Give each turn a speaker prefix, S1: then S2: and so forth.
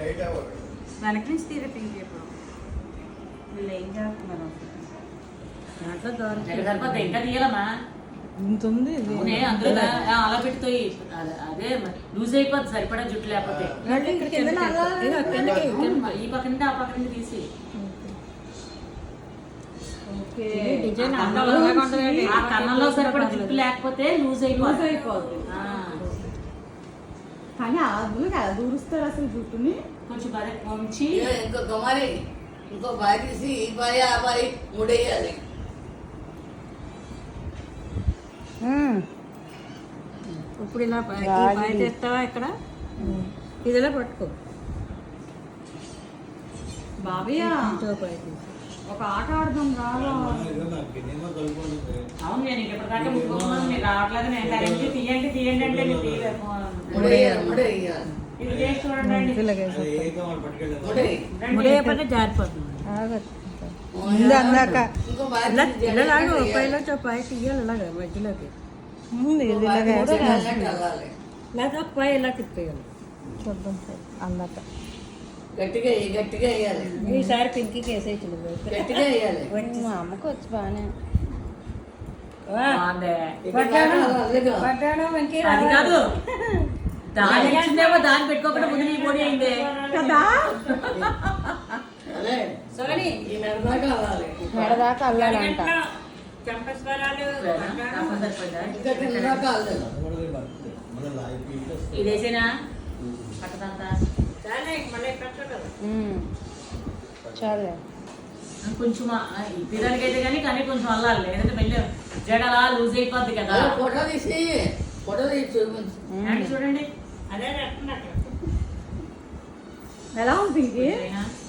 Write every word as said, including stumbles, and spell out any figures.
S1: వెనక నుంచి తీరే పింక్ ఇప్పుడు వీళ్ళు ఏం చేస్తున్నారు దాంట్లో
S2: సరిపోతే ఇంకా తీయాలమ్మా
S3: ఇంత ఉంది
S2: అందులో అలా పెడుతాయి అదే లూజ్ అయిపోద్ది సరిపడా జుట్టు లేకపోతే ఈ పక్క నుండి ఆ పక్క నుండి తీసి ఆ కన్నంలో సరిపడా జుట్టు లేకపోతే లూజ్ అయిపోద్ది
S1: అయిపోద్ది కానీ అలా అలా దూరుస్తారు అసలు జుట్టుని
S2: కొంచెం బాగా కొంచి
S4: ఇంకో గమాలి ఇంకో బాయ్ తీసి ఈ బాయ్ ఆ బాయ్ ముడేయాలి.
S1: ఇప్పుడు ఇలా బాయ్ తెస్తావా ఇక్కడ ఇదిలా పట్టుకో బాబయ్య ఒక ఆట ఆడదాం రావా
S2: అవును నేను ఇప్పటిదాకా ముట్టుకోమన్నాను మీరు రావట్లేదు నేను డైరెక్ట్ తీయండి తీయండి అంటే నేను ఇది చేసి చూడండి
S1: ముడేయకపోతే జారిపోతుంది ముందు అందాక ఇలా ఇలాగా పైలో పై తీయాలి ఇలాగా మధ్యలోకి ముందు ఇది లేదా పై ఇలా తిప్పేయాలి చూద్దాం అందాక
S4: గట్టిగా గట్టిగా వేయాలి.
S1: ఈసారి పింకీకి వేసేయచ్చు
S4: గట్టిగా వేయాలి.
S1: మా అమ్మకి వచ్చి బాగానే
S2: అది కాదు దాని ఇచ్చిందేమో దాన్ని పెట్టుకోకుండా ముందు నీ పొడి అయింది
S1: కదా
S2: సరే
S4: ఈ మెడదాకా అల్లాలి.
S1: మెడదాకా అల్లాలంట
S4: ఇంకా కిందదాకా అల్లాలి.
S2: ఇదేసేనా పట్టదంతా
S1: చాలే
S2: కొంచెం పిల్లలకి అయితే కానీ కానీ కొంచెం అల్లాలి లేదంటే మళ్ళీ జడలా లూజ్ అయిపోద్ది కదా
S4: ఫోటో తీసి ఫోటో తీసి చూపించు
S2: చూడండి
S1: ఎలా ఉంది